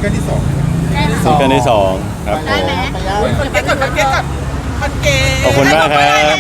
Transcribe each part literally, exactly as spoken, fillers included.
กิลที่สองซิงเกิลที่สองครับผมคนเก็ตก่อนคนเก็ตก่อนคนเก็ตขอบคุณมากครับ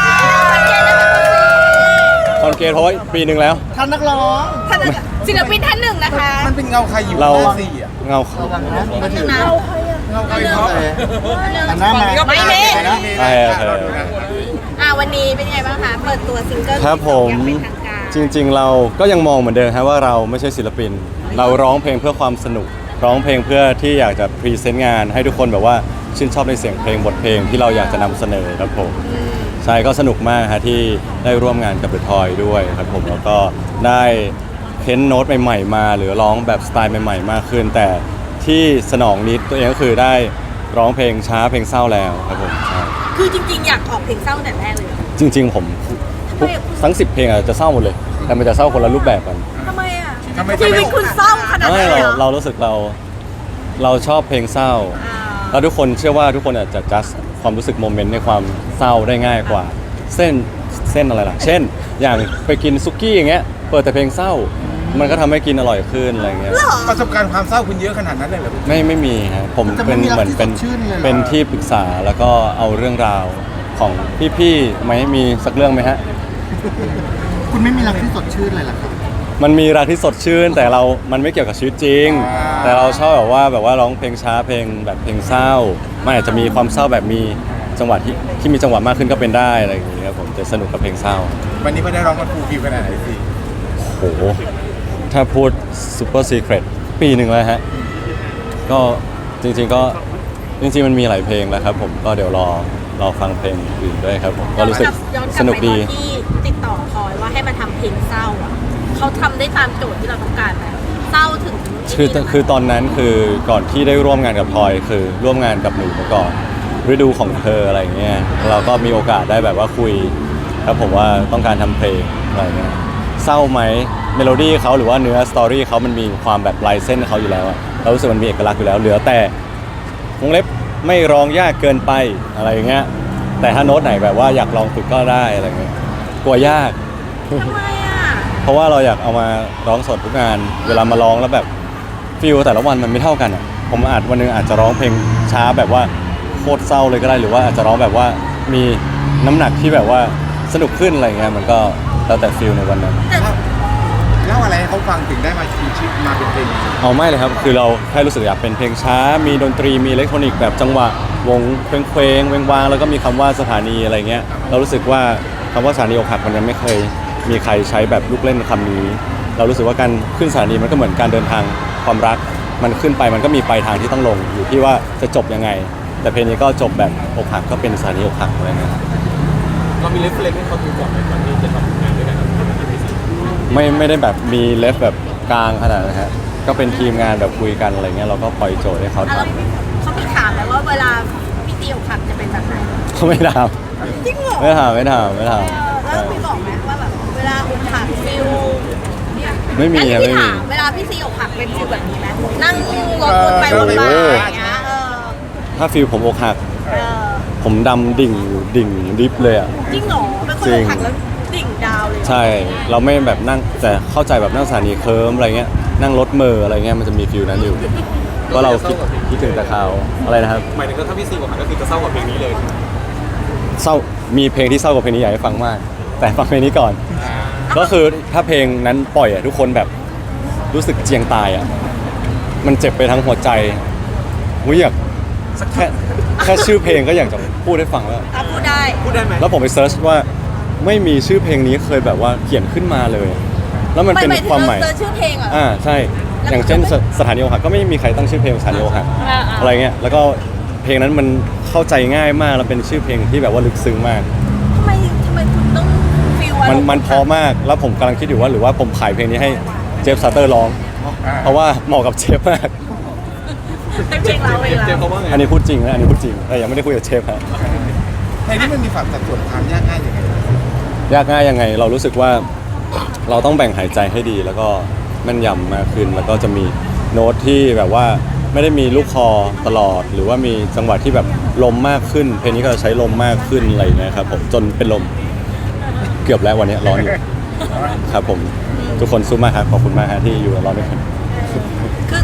คอนเกตเพราะว่าปีหนึ่งแล้วท่านนักร้องท่านศิลปินท่านหนึ่งนะคะมันเป็นเงาใครอยู่เราหน้าสี่อ่ะเงาระวังนะมาถึงเราเงาใครเพราะหันหน้ามาไม่มีใช่ครับอ่าวันนี้เป็นไงบ้างคะเปิดตัวซิงเกิลครับผมอย่างเป็นทางการจริงๆเราก็ยังมองเหมือนเดิมครับว่าเราไม่ใช่ศิลปิน เราร้องเพลงเพื่อความสนุก ร้องเพลงเพื่อที่อยากจะพรีเซนต์งานให้ทุกคนแบบว่าชื่นชอบในเสียงเพลงบทเพลงที่เราอยากจะนำเสนอครับผมใช่ก็สนุกมากฮะที่ได้ร่วมงานกับเดอะทอยด้วยครับผมแล้วก็ได้เค้นโน้ตใหม่ๆมาหรือร้องแบบสไตล์ใหม่ๆมากขึ้น แต่ที่สนองนิดตัวเองก็คือได้ร้องเพลงช้าเพลงเศร้าแล้วครับผมใช่คือจริงๆ อยากออกเพลงเศร้าแต่แรกเลยเหรอจริงๆผมทุกทั้งสิบเพลงอาจจะเศร้าหมดเลย แต่มันจะเศร้าคนละรูปแบบกันทำไมอ่ะทำไมชีทำไมวิตคุณเศร้าขนาดไม่นั้นเลยเราเหรอเรารู้สึกเราเราชอบเพลงเศร้าอ่าแล้วทุกคนเชื่อว่าทุกคนอาจจะจัดความรู้สึกโมเมนต์ในความเศร้าได้ง่ายกว่า เส้นเส้นอะไรล่ะ เช่น อย่างไปกินซุกี้อย่างเงี้ยเปิดแต่เพลงเศร้า มันก็ทำให้กินอร่อยขึ้นอะไรเงี้ยประสบการณ์ความเศร้าคุณเยอะขนาดนั้นเลยเหรอไม่ไม่มีฮะผมเป็นเหมือนเป็นเป็นที่ปรึกษาแล้วก็เอาเรื่องราวของพี่ๆมาให้มีสักเรื่องไหมฮะคุณไม่มีรักที่สดชื่นเลยเหรอครับมันมีรักที่สดชื่นแต่เรา มันไม่เกี่ยวกับชีวิตจริง แต่เราชอบแบบว่าแบบว่าร้องเพลงช้าเพลงแบบเพลงเศร้า มันอาจจะมีความเศร้าแบบมีจังหวะที่ที่มีจังหวะมากขึ้นก็เป็นได้อะไรอย่างเงี้ยครับผมจะสนุกกับเพลงเศร้าวันนี้ไม่ได้ร้องมันฟูลฟิลขนาดไหนสิโอ้โห ถ้าพูดซูเปอร์ซีเครตปีหนึ่งแล้วฮะ ก็จริงๆก็จริงๆมันมีหลายเพลงแล้วครับผมก็เดี๋ยวรอรอฟังเพลงอื่นด้วยครับผมก็รู้สึกย้อนกสลับนุกไปตดีอนที่ติดต่อพลอยว่าให้มาทำเพลงเศร้าอ่ะเขาทำได้ตามโจทย์ที่เราต้องการไหมเศร้าถึงคือคือตอนนั้นคือก่อนที่ได้ร่วมงานกับพลอยคือร่วมงานกับหนูมาก่อนฤดูของเธออะไรเงี้ยเราก็มีโอกาสได้แบบว่าคุยครับผมว่าต้องการทำเพลงอะไรเงี้ยเศร้าไหมเมโลดี้เขาหรือว่าเนื้อสตอรี่เขามันมีความแบบลายเส้นเขาอยู่แล้วอะเรารู้สึกมันมีเอกลักษณ์อยู่แล้วเหลือแต่วงเล็บไม่ร้องยากเกินไปอะไรอย่างเงี้ยแต่ถ้าโน้ตไหนแบบว่าอยากลองฝึกก็ได้อะไรเงี้ยกลัวยากทำไมอ่ะเพราะว่าเราอยากเอามาร้องสดทุกงาน เวลามาร้องแล้วแบบฟีลแต่ละวันมันไม่เท่ากันอ่ะผมอาจวันหนึงอาจจะร้องเพลงช้าแบบว่าโคตรเศร้าเลยก็ได้หรือว่าอาจจะร้องแบบว่ามีน้ำหนักที่แบบว่าสนุกขึ้นอะไรเงี้ยมันก็แล้วแต่ฟีลในวันนั้นเล่าอะไรให้เขาฟังถึงได้มาชีชิปมาเป็นเพลงเอาไม่เลยครับคือเราแค่รู้สึกอยากเป็นเพลงช้า มีดนตรีมีอิเล็กทรอนิกส์แบบจังหวะวงเพลงเพลงเวงวางแล้วก็มีคำว่าสถานีอะไรเงี้ยเรารู้สึกว่าคำว่าสถานีอกหักมันยังไม่เคยมีใครใช้แบบลูกเล่นคำนี้ เรารู้สึกว่าการขึ้นสถานีมันก็เหมือนการเดินทางความรักมันขึ้นไปมันก็มีปลายทางที่ต้องลงอยู่ที่ว่าจะจบยังไง แต่เพลงนี้ก็จบแบบอกหักก็เป็นสถานีอกหักอะไรเงี้ยเรามีเรฟเฟรนซ์ให้เขาดูก่อนไหมก่อนที่จะทำงานด้วยกันไม่ไม่ได้แบบมีเลฟแบบกลางขนาดนั้นฮะก็เป็นทีมงานแบบคุยกันอะไรเงี้ยเราก็ปล่อยโจทย์ให้เขาอ่ะทแล้วเขามีถามไหมว่าเวลาพี่ตีอกหักจะเป็นแบบไหนำเขาไม่ถามจริงเหรอไม่ถามไม่ถามไม่ถามเออแล้วพี่บอกไหมว่าแบบเวลาอกหักฟิลเนี่ยไม่มีอัครับนนี้ไม่พี่มีถามเวลาพี่ซีอกหักเป็นฟิลแบบนี้ไหมนั่งรถวนไปวนมาอย่างเงี้ยเออถ้าฟีลผมอกหักเออผมดำดิ่งดิ่งดิฟเลยอ่ะจริงเหรอเป็นคนจริอง กหักแล้วดิ่งดาวเลยเหรอใช่เราไม่แบบนั่งแต่เข้าใจแบบนั่งสถานีเคิร์มอะไรเงี้ยนั่งรถเมอร์อะไรเงี้ยมันจะมีฟิลนั้นอยู่ก็เราคิดคิดถึงแต่เขาอะไรนะครับหมายถึงว่าถ้าพี่ซีบอกก็คือจะเศร้ากว่าเพลงนี้เลยเศร้ามีเพลงที่เศร้ากว่าเพลงนี้อยากให้ฟังมาก แต่ฟังเพลงนี้ก่อน ก็คือถ้าเพลงนั้นปล่อยอ่ะทุกคนแบบรู้สึกเจียงตายอ่ะมันเจ็บไปทั้งหัวใจวุ้ยอยากแค่แค่ชื่อเพลงก็อยากจะพูดให้ฟังแล้วอ่ะพูดได้พูดได้ไหมแล้วผมไปเซิร์ชว่าไม่มีชื่อเพลงนี้เคยแบบว่าเขียนขึ้นมาเลย แล้วมันเป็นไม่ถึงความหมายเจอชื่อเพลงเหรออ่าใช่ อย่างเช่นสสถานีอกหักก็ไม่มีใครตั้งชื่อเพลงสถานีอกหักอ่าๆอะไรเงี้ยแล้วก็เพลงนั้นมันเข้าใจง่ายมากแล้วเป็นชื่อเพลงที่แบบว่าลึกซึ้งมากทำไมทำไมคุณต้องฟิลมันมันเพอมากแล้วผมกำลังคิดอยู่ว่าหรือว่าผมขายเพลงนี้ให้เจฟซาเตอร์ร้อง เพราะว่าเหมาะกับเจฟมากเป็นเพลงเราเองเจมแล้วเขาว่าไงอันนี้พูดจริงนะอันนี้พูดจริงแต่ยังไม่ได้คุยกับเจฟฮะเพลงนี้มันมีความสัดส่วนความยากง่ายยังไงยากง่ายยังไงเรารู้สึกว่าเราต้องแบ่งหายใจให้ดี แล้วก็แม่นยำมากขึ้นแล้วก็จะมีโน้ตที่แบบว่าไม่ได้มีลูกคอตลอด หรือว่ามีจังหวะที่แบบลมมากขึ้น เพลงนี้ก็จะใช้ลมมากขึ้นอะไรอย่างเงี้ยครับผมจนเป็นลมเกือบแล้ววันนี้ร้อนอยู่ครับผมทุกคนสู้มากครับขอบคุณมากฮะที่อยู่กับเราด้วยกันคือไป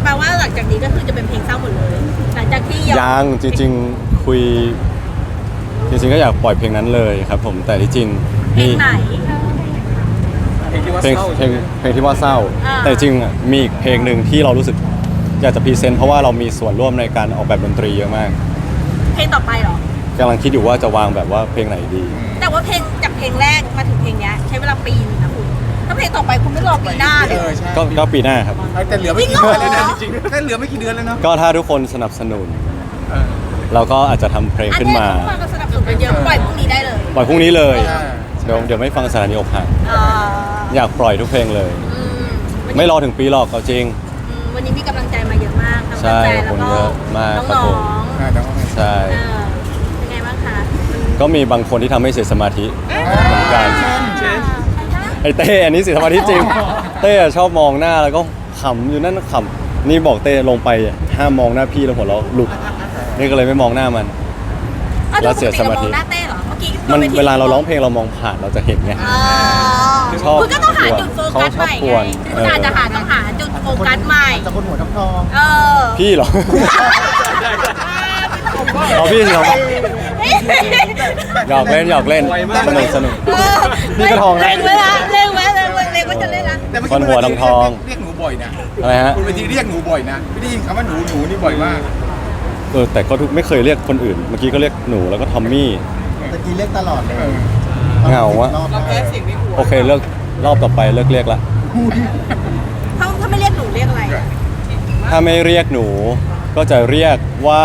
ลว่าหลังจากนี้ก็คือจะเป็นเพลงเศร้าหมดเลยหลังจากที่ยังจริงๆคุยจริงๆก็อยากปล่อยเพลงนั้นเลยครับผมแต่ที่จริงเพลมีงไหนเพลงที่ว่าเพลงเศร้าเพลงเพลงที่ว่าเศร้าอ่าแต่จริงๆอ่ะมีอีกเพลงหนึ่งที่เรารู้สึกอยากจะพรีเซนต์เพราะว่าเรามีส่วนร่วมในการออกแบบดนตรีเยอะมากเพลงต่อไปเหรอกำลังคิดอยู่ว่าจะวางแบบว่าเพลงไหนดีแต่ว่าเพลงจากเพลงแรกมาถึงเพลงเนี้ยใช้เวลาปีนึงนะคุณถ้าเพลงต่อไปคุณไม่รอปีหน้าเลเอย อใช่ก็ก็ปีหน้าครับแต่เหลือไม่กี่เดือนเลยนะจจริริงงเหรอๆแค่เหลือไม่กี่เดือนแล้วเนาะก็ถ้าทุกคนสนับสนุนเออเราก็อาจจะทำเพลงอันขึ้นนี้มาทุกคนก็สนับสนุนกันเยอะปล่อยพรุ่งนี้ได้เลยปล่อยพรุ่งนี้เลยใช่เดี๋ยวเดี๋ยวไม่ฟังสถานีอกหักอ่าอยากปล่อยทุกเพลงเลยอืมวันนี้ไม่รอถึงปีหรอกเอาจริงอืมวันนี้มีกำลังใจมาเยอะมากทั้งใช่แฟนๆแล้วคนก็เยอะมากครับน้อผงมอ่าแต่ว่าใช่ๆเออเป็นไงบ้างคะก็มีบางคนที่ทำให้เสียสมาธิเหมือนกันเช่นไอ้เต้อันนี้เสียสมาธิจริง เต้ชอบมองหน้าแล้วก็ขำอยู่นั่นขำนี่บอกเต้ลงไปห้ามมองหน้าพี่แล้วหัวเราะหลุดนี่ก็เลยไม่มองหน้ามันอ้าวแล้วเสียสมาธิปกติเรองหน้าเต้เหรอเมื่อกี้มันบนทีเวลาเราร้องเพลงเรามองผ่านเราจะเห็นไงอ๋อชอบคุณก็ต้องหาจุดโฟกัสเขาชอบใหม่กไงวนคุณอาจจะหาต้องหาจุดโฟกัสใหม่จะคนหัวทองทองเออพี่เหรอ เอาพี่สิครับหยอกเล่นหยอกเล่นสนุกสนุกเออนี่ก็ทองนะเล่งเวลาเล่งไว้เล่งไว้เล่งไว้จะเล่นละแต่เมื่อคนกี้หัวทองเรียกหนูบ่อยนะอะไรฮะคุณเวทีเรียกหนูบ่อยนะไม่ได้ยินคำว่าหนูหนูนี่บ่อยมากเออแต่ก็ทุกไม่เคยเรียกคนอื่น เมื่อกี้ก็เรียกหนูแล้วก็ทอมมี่ตะกี้เรียกตลอดเลยเออเหงาวะรอบแรกโอเคเลิกรอบต่อไปเลิกเรียกละถ้าถ้าไม่เรียกหนูเรียกอะไรถ้าไม่เรียกหนูก็จะเรียกว่า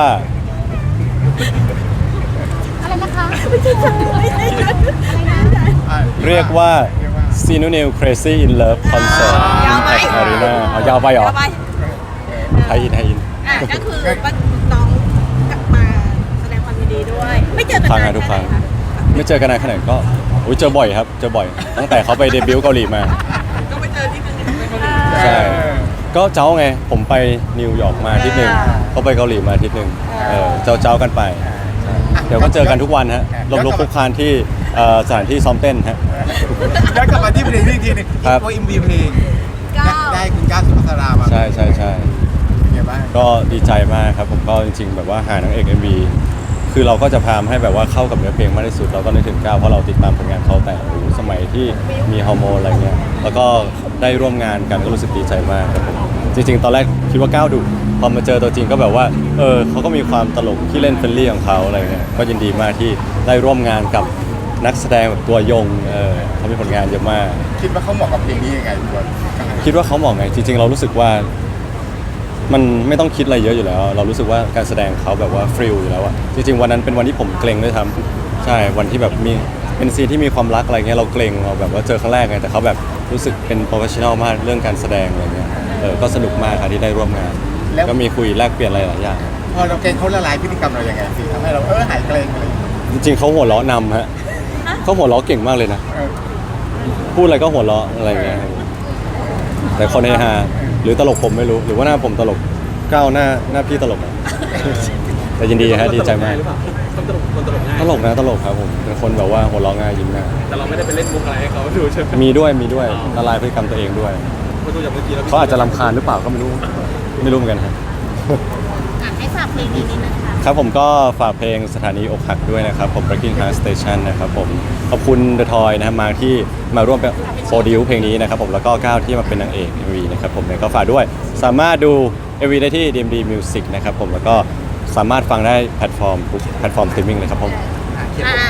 อะไรนะคะไม่ใช่ฉันไม่ใช่ฉันอ่ะเรียกว่า s i n o n i l Crazy in Love Concert ยาวไป at Arena เอายาวไปเหรอยาวไปไทยอินไทยอินอ่ะก็คือว่าน้องกลับมาแสดงความยินดีด้วย ไม่เจอกันฟังนาอ่ะนทุกแค่คไหนรั้งคะไม่เจอกันนานขนาดก็อุ้ยเจอบ่อยครับ เจอบ่อย ตั้งแต่เขาไปเดบิวต์เกาหลีมาก็ไปเจอที่นึงใช่ ก็เจ้าไง ผมไปนิวยอร์กมาอาทิตย์หนึ่งเขาไปเกาหลีมาอาทิตย์หนึ่งเออเจ้าเจ้ากันไป เดี๋ยวก็เจอกันทุกวันฮะลมลุกคลุกคลานที่เอ่อสถานที่ซ้อมเต้นฮะย้อนกลับมาที่เพลงนี้อีกทีหนึงครับตัวอิมวีเพลงก้าวได้คุณก้าวสุภัสรามาใช่ใช่ใช่เป็นไงบ้างก็ดีใจมากครับผมก็จริงๆ แบบว่าหานางเอก เอ็ม วี คือเราก็จะพยายามให้แบบว่าเข้ากับเนื้อเพลงมากที่สุดเราก็นึกถึงก้าวเพราะเราติดตามผลงานเขาแต่โอ้โหสมัยที่มีฮอร์โมนอะไรเงี้ยแล้วก็ได้ร่วมงานกันก็รู้สึกดีใจมากครับผมจริง ๆ ตอนแรกคิดว่าก้าวดุพอมาเจอตัวจริงก็แบบว่าเออเขาก็มีความตลกที่เล่นเฟรนลี่ของเขาอะไรเงี้ยก็ยินดีมากที่ได้ร่วมงานกับนักแสดงแบบตัวยงเออเขามีผลงานเยอะมากคิดว่าเขาเหมาะกับเพลงนี้ยังไงตัวก้าวคิดว่าเขาเหมาะไงจริงๆ เรารู้สึกว่ามันไม่ต้องคิดอะไรเยอะอยู่แล้ว เรารู้สึกว่าการแสดงเขาแบบว่าฟริลอยู่แล้วอะจริงๆวันนั้นเป็นวันที่ผมเกรงด้วยทำใช่วันที่แบบมีเป็นซีนที่มีความรักอะไรเงี้ยเราเกรงเราแบบว่าเจอครั้งแรกไงแต่เขาแบบรู้สึกเป็นโปรเฟชชั่นอลมากเรื่องการแสดงอะไรเงี้ยเออก็สนุกมากค่ะที่ได้ร่วมงาน ก็มีคุยแลกเปลี่ยนอะไรหลายอย่างพอเราเกรงเขาละลายพฤติกรรมเรายังไงสิทำให้เราเออหายเกรงอะไรอย่างเงี้ยจริงๆเขาหัวเราะนำฮะเขาหัวเราะเก่งมากเลยนะเออพูดอะไรก็หัวเราะอะไรเงี้ยแต่คนเฮฮาหรือตลกผมไม่รู้ หรือว่าหน้าผมตลกก้าวหน้าหน้าพี่ตลกอะ แต่ยินดีฮะดีใจมากหรือเปล่าคนตลกคนตลกง่ายตลกนะตลกครับผมเป็นคนแบบว่าหัวเราะง่ายยิ้มง่ายแต่เราไม่ได้ไปเล่นมุกอะไรให้เขาดูใช่ไหมมีด้วยมีด้วยละลายพฤติกรรมตัวเองด้วยเพราะดูจากเมื่อกี้แล้วเขาอาจจะรำคาญหรือเปล่าก็ไม่รู้ไม่รู้เหมือนกันฮะอ่ะให้ฝากเพลงนี้นิดนะคะครับผมก็ฝากเพลงสถานีอกหักด้วยนะครับผม Breaking Heart Station นะครับผมขอบคุณ The Toy นะครับมาที่มาร่วมเป็นโปรดิวเพลงนี้นะครับผมแล้วก็ก้าวที่มาเป็นนางเอก เอ็ม วี นะครับผมเนี่ยก็ฝากด้วยสามารถดู เอ็ม วี ได้ที่ ดี เอ็ม ดี Music นะครับผมแล้วก็สามารถฟังได้แพลตฟอร์มทุกแพลตฟอร์มสตรีมมิ่งเลยครับผมอ่าม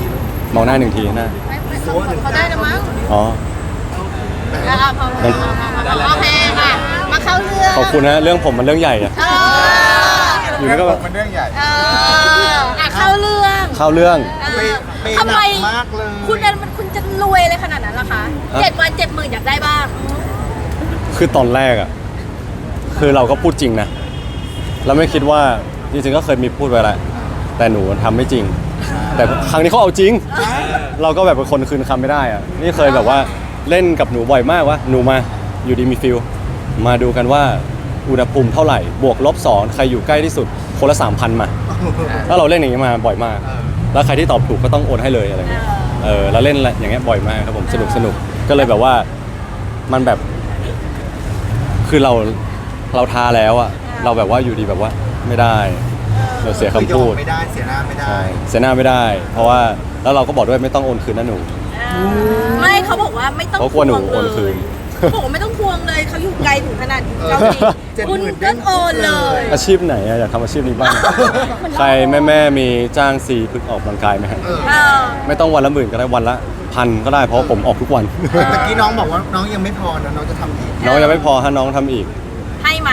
องหน้าหนึ่งทีหน้าเขาได้แล้วมั้งอ๋ออ่าพอพอพอพอโอเคค่ะมาเข้าเรื่องขอบคุณนะเรื่องผมมันเรื่องใหญ่อะเอออยู่เรื่นี่องก็ผมมันเรื่องใหญ่เอออ่ะเข้าเรื่องเข้าเรื่องเออเปย์ทำหไมนักมากเลยคุณนั้นมันคุณจะรวยเลยขนาดนั้นล่ะคะเจ็ดวันเจ็ดหมื่นอยากได้บ้างคือตอนแรกอะคือเราก็พูดจริงนะเราไม่คิดว่าจริงๆก็เคยมีพูดไปแหละแต่หนูทำไม่จริง แต่ครั้งนี้เขาเอาจริง เราก็แบบเป็นคนคืนคำไม่ได้อะนี่เคยแบบว่าเล่นกับหนูบ่อยมากว่าหนูมาอยู่ดีมีฟิลมาดูกันว่าอุณหภูมิเท่าไหร่บวกลบสองใครอยู่ใกล้ที่สุดคนละสามพันมาแล้วเราเล่นอย่างนี้มาบ่อยมาก แล้วใครที่ตอบถูกก็ต้องโอนให้เลยอะไรเงี้ยเออเราเล่นอย่างเงี้ยบ่อยมากครับผมสนุกสนุกก็เลยแบบว่ามันแบบ คือเราเราทาแล้วอะเราแบบว่าอยู่ดีแบบว่าไม่ได้เดี๋ยวเสียคำพูดไม่ได้เสียหน้าไม่ได้ใช่เสียหน้าไม่ได้ เพราะว่าแล้วเราก็บอกด้วยไม่ต้องโอนคืนนะหนูไม่เขาบอกว่าไม่ต้องเขากลัวหนูทงโอนคืนเขาบอกว่าไม่ต้องทวงเลยเขาอยู่ไกลถึงขนาดเออเกาหลีเจ็ดหคุมื่ณนก็โอนเลยอาชีพไหนอะอยากทำอาชีพนี้บ้าง ใครแม่แม่ๆมีจ้างซีพึกออกกำลังกายไหมฮะเออเออไม่ต้องวันละหมื่นก็ได้วันละพันก็ได้เพราะผมออกทุกวันเมื่อกี้น้องบอกว่าน้องยังไม่พอนะน้องจะทำอีกน้องยังไม่พอฮะน้องทำอีกให้ไหม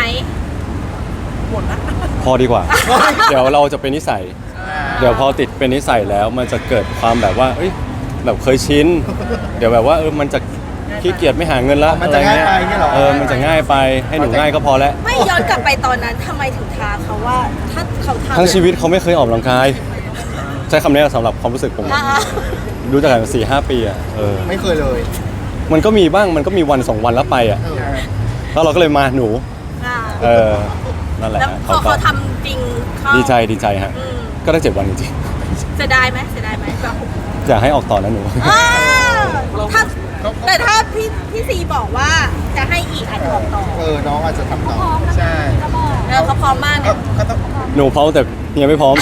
พอดีกว่า เดี๋ยวเราจะเป็นนิสัย เดี๋ยวพอติดเป็นนิสัยแล้วมันจะเกิดความแบบว่าเอ้ยแบบเคยชิน เดี๋ยวแบบว่าเออมันจะขี้เกียจไม่หาเงินละมันจะอรง่ายไปเงี้ยเหรอเออมันจะง่ายไปให้หนูง่ายก็พอแล้วไม่ย้อนกลับไปตอนนั้นทำไมถึงท้าเขาว่าถ้าเขาทำทั้งชีวิตเขาไม่เคยออกกำลังกาย ใช้คำนี้สำหรับความรู้สึกผมอ่ารู้จักกันมาสี่ห้าปีอ่ะเออไม่เคยเลยมันก็มีบ้างมันก็มีวันสองวันแล้วไปอ่ะเออแล้วเราก็เลยมาหนูอ่าเออนั่นแหละแล้วพอก็เขาทำจริงเขาดีใจดีใจฮะอืมก็ได้เจ็ดวันจริงเสียดายไหมเสียดายไหมแบบๆอยากให้ออกต่อนะหนูอ้าวถ้าแต่ถ้าพี่พี่ซีบอกว่าจะให้อีกอาจจะบอกต่อเออน้องอาจจะทำต่อใช่เออเขาพร้อมมากก็เนี่ยก็ต้องหนูพร้อมแต่เฮียไม่พร้อม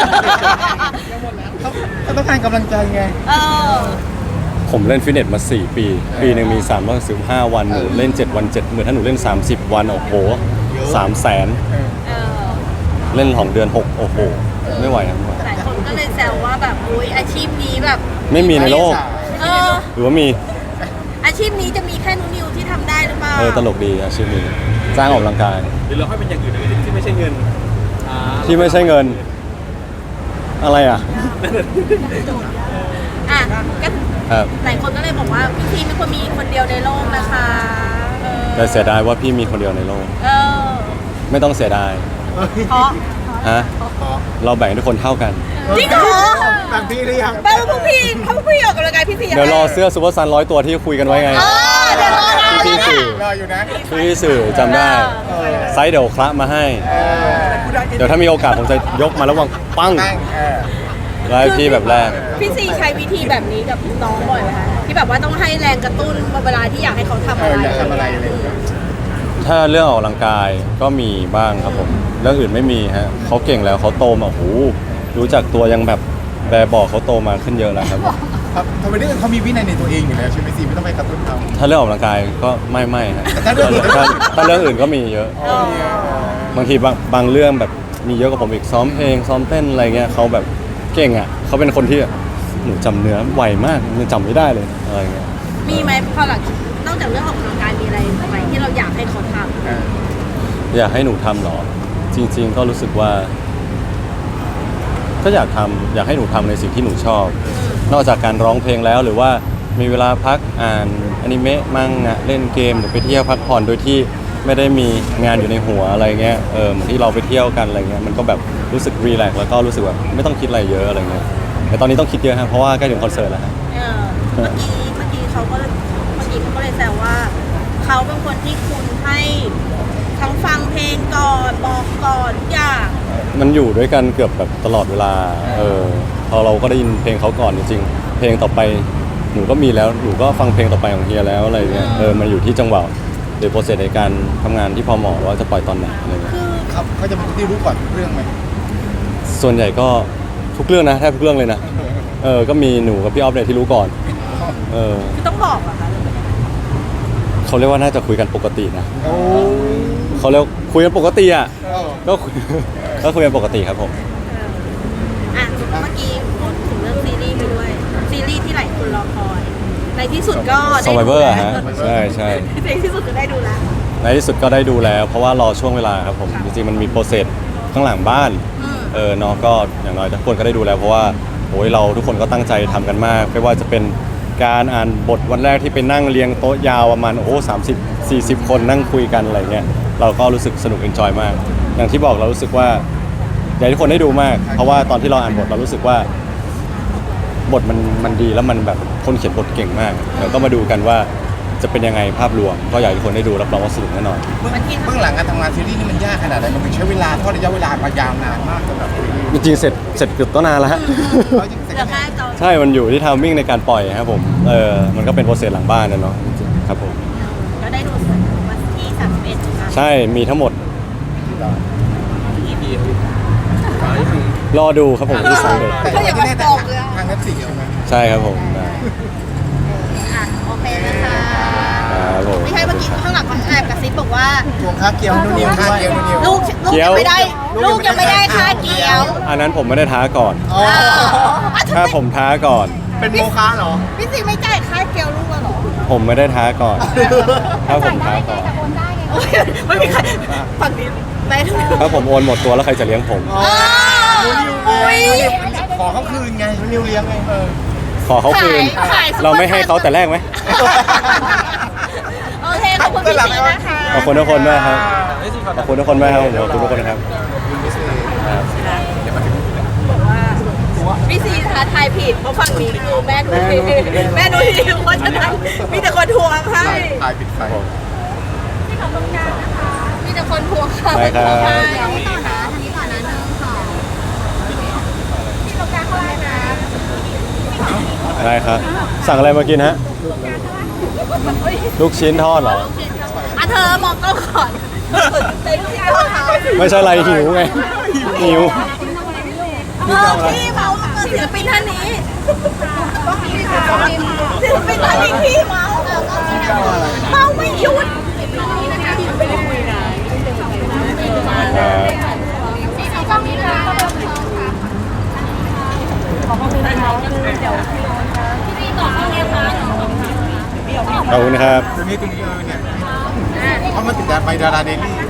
ก็ต้องการกำลังใจไงเออผมเล่นฟิตเนสมา สี่ ปี ปีหนึ่งมีสามร้อยสิบห้าวันหนูเล่น เจ็ด วัน เจ็ดหมื่นถ้าหนูเล่น สามสิบ วัน โอ้โหสามแสนเออเล่นของเดือนหกโอ้โห ไม่ไหวครับไม่ไหวหลายคนก็เลยแซวว่าแบบอุ้ยอาชีพนี้แบบไม่มีในโลกเออหรือว่ามีอาชีพนี้จะมีแค่นุนิวที่ทำได้หรือเปล่าเออตลกดีอาชีพนี้จ้างออกกำลังกายหรือเราให้เป็นอย่างอื่นได้ไหมที่ไม่ใช่เงินอ่าที่ไม่ใช่เงิน อะไรอ่ะอ่ะก็ครับหลายคนก็เลยบอกว่าพี่ทีเป็นคนมีคนเดียวในโลกนะคะเออแต่เสียดายว่าพี่มีคนเดียวในโลกเออไม่ต้องเสียดายเพราะฮะ เราแบ่งให้ทุกคนเท่ากันจริงเหรอแบบพี่หรือยังแปลว่าพวกพี่ถ้าพวกพี่ออกกำลังกายพี่ซีเดี๋ยวรอเสื้อซูเปอร์ซันร้อยตัวที่คุยกันไว้ไงเออเดี๋ยวรอนะพี่สื่อรออยู่นะพี่สื่อจำได้ ไซส์เดี๋ยวคละมาให้ เดี๋ยวถ้ามีโอกาสผมจะยกมาแล้ววางปั้งตั้งเออแล้วให้พี่แบบแรกพี่ซีใช้วิธีแบบนี้กับน้องบ่อยไหมคะที่แบบว่าต้องให้แรงกระตุ้นเวลาที่อยากให้เขาทำเออะอไรอยากทำอะไรอะไรอย่างเงี้ยถ้าเรื่องออกกำลังกายก็มีบ้างครับผม เรื่องอื่นไม่มีฮะเขาเก่งแล้วเขาโตมาโอ้โหรู้จักตัวยังแบบแบบบอกเขาโตมาขึ้นเยอะแล้วครับครับทำไมเรื่องเขามีวินัยในตัวเองอยู่แล้วใช่ไหมซีไม่ต้องไปกระตุ้นเขาถ้าเรื่องออกกำลังกายก็ไม่ไม่ฮะแต่ถ้าเรื่องอื่นถ้าถ้าเรื่องอื่นก็มีเยอะ บางทีบางบางเรื่องแบบมีเยอะกว่าผมอีกซ้อมเพลงซ้อมเต้นอะไรเงี้ยเขาแบบเก่งอ่ะเขาเป็นคนที่หนูจำเนื้อไวมากยังจำไม่ได้เลยอะไรเงี้ยมีไหมพอหลังนอกจากเรื่องออกกำลังกายมีอะไรไหมที่เราอยากให้เขาทเอออยากให้หนูทำเหรอ จริง ๆ ก็รู้สึกว่า ก็อยากทำอยากให้หนูทำในสิ่งที่หนูชอบ นอกจากการร้องเพลงแล้วหรือว่ามีเวลาพักอ่านอนิเมะมั่งอะเล่นเกมหรือไปเที่ยวพักผ่อนโดยที่ไม่ได้มีงานอยู่ในหัวอะไรเงี้ยเออเหมือนที่เราไปเที่ยวกันอะไรเงี้ยมันก็แบบรู้สึกรีแลกซ์แล้วก็รู้สึกแบบไม่ต้องคิดอะไรเยอะอะไรเงี้ยแต่ตอนนี้ต้องคิดเยอะฮะเพราะว่าใกล้ถึงคอนเสิร์ตแล้วฮะำเออเมื่อกี้เมื่อกี้เขาก็เมื่อกี้เขาก็เลยแซวว่าเขาเป็นคนที่คุณให้ทั้งฟังเพลงก่อนบอกก่อนทุกอย่างมันอยู่ด้วยกันเกือบแบบตลอดเวลา เออ พอเราก็ได้ยินเพลงเขาก่อนจริงๆ เพลงต่อไปหนูก็มีแล้ว หนูก็ฟังเพลงต่อไปของเฮียแล้วอะไรเงี้ย เออ มันอยู่ที่จังหวะหรือโปรเซสในการทำงานที่พอเหมาะว่าจะปล่อยตอนไหนอะไรเงี้ยคือเขาเขาจะเป็นคนที่รู้ก่อนทุกเรื่องไหมส่วนใหญ่ก็ทุกเรื่องนะแทบทุกเรื่องเลยนะ เออ ก็มีหนูกับพี่ออฟเนี่ยที่รู้ก่อน เออคือต้องบอกเหรอะคะเขาเรียกว่าน่าจะคุยกันปกตินะโอ้เขาเรียกคุยกันปกติอ่ะเออก็คุย ก็คุยกันปกติครับผมอ่ะเมื่อกี้พูดถึงเรื่องซีรีส์ไปด้วย ซีรีส์ที่หลายคนรอคอย ในที่สุดก็ได้ดู Survivor แล้วฮะใช่ใช่ในที่สุดก็ได้ดูแล้วในที่สุดก็ได้ดูแล้ว เพราะว่ารอช่วงเวลาครับผมค่ะจริงๆมันมีโปรเซสข้างหลังบ้านอืมเออเนาะก็อย่างน้อยทุกคนก็ได้ดูแล้วเพราะว่าโอ้ยเราทุกคนก็ตั้งใจทำกันมากไม่ว่าจะเป็นการอ่านบทวันแรกที่ไปนั่งเรียงโต๊ะยาวประมาณโอ้โหสามสิบสี่สิบคนนั่งคุยกันอะไรเงี้ยเราก็รู้สึกสนุกเอนจอยมาก อย่างที่บอกเรารู้สึกว่าอยากให้ทุกคนได้ดูมาก เพราะว่าตอนที่เราอ่านบทเรารู้สึกว่า บทมันมันดีแล้วมันแบบคนเขียนบทเก่งมากเดี๋ยวก็มาดูกันว่าจะเป็นยังไงภาพรวมก็อยากให้ทุกคนได้ดูรับรองว่าสนุกแน่นอนเบื้องเบื้องหลังการทำงานซีรีส์นี่มันยากขนาดไหนมันใช้เวลาทอดระยะเวลามายาวนานมากสำหรับซีรีส์จริงๆเสร็จเสร็จเกือบตั้งนานแล้วฮะเอาจริงๆเหลือแค่ตอนใช่ มันอยู่ที่ทามมิ่งในการปล่อยครับผม เออ มันก็เป็นโปรเซสหลังบ้านนะเนาะจริงๆครับผมก็ได้ดูวันที่สามสิบเอ็ดนะคะใช่มีทั้งหมดอีพีท้ายคือรอดูครับผมที่สามเดือนแต่ยังไม่แน่แต่ทางเน็ตฟลิกใช่ไหมใช่ครับผมได้อ่ะโอเคนะคะครับผมไม่ใช่เมื่อกี้ข้างหลังเขาแอบกระซิบบอกว่าทวงค่าเกี๊ยวนุ่นนิวค่าด้วยเกี๊ยวนิวลูกลูกยังไม่ได้ ลูกยังไม่ได้ค่าเกี๊ยวอันนั้นผมไม่ได้ท้าก่อนอ๋ออ่ะถ้าผมท้าก่อนเป็นโมฆะเหรอพี่ซีไม่จ่ายค่าเกี๊ยวลูกแล้วเหรอผมไม่ได้ท้าก่อน ถ้าผมท้าก่อนโอเคไม่มีใครฝั่งนี้แม่ถูกถ้าผมโอนหมดตัวแล้วใครจะเลี้ยงผมอ๋ออุ้ยขอเขาคืนไงนุ่นนิวเลี้ยงไงเออขอเขาคืนขายขายเราไม่ให้เขาแต่แรกไหมโอเคขอบคุณพี่ซีนะคะขอบคุณทุกคนมากครับไอ้สิขอขอบคุณทุกคนมากครับผมขอบคุณทุกคนครับ ครับพี่ซีท้าทายผิดเพราะฝั่งนี้คือแม่ดูทีแม่ดูทีเพราะฉะนั้นมีแต่คนทวงให้ตายปิดไฟมีแต่คนทวงค่ะได้ครับใช่ต่อนะทางนี้ต่อนะหนึ่งสองที่ตรงกลางเขาไล่นะได้ครับ สั่งอะไรมากินฮะ ลูกชิ้นทอดเหรออ่ะเธอมองกล้องก่อนเต็มที่แล้วค่ะไม่ใช่อะไรหิวไง หิวเออพี่เมาส์เศิลปินท่านนี้ศิลปินท่านนี้พี่เมาส์เมาส์ไม่หยุดขอบคุณครับตรงนี้ตรงนี้เออเนี่ยเขามาติดดาไปดาราเดลี่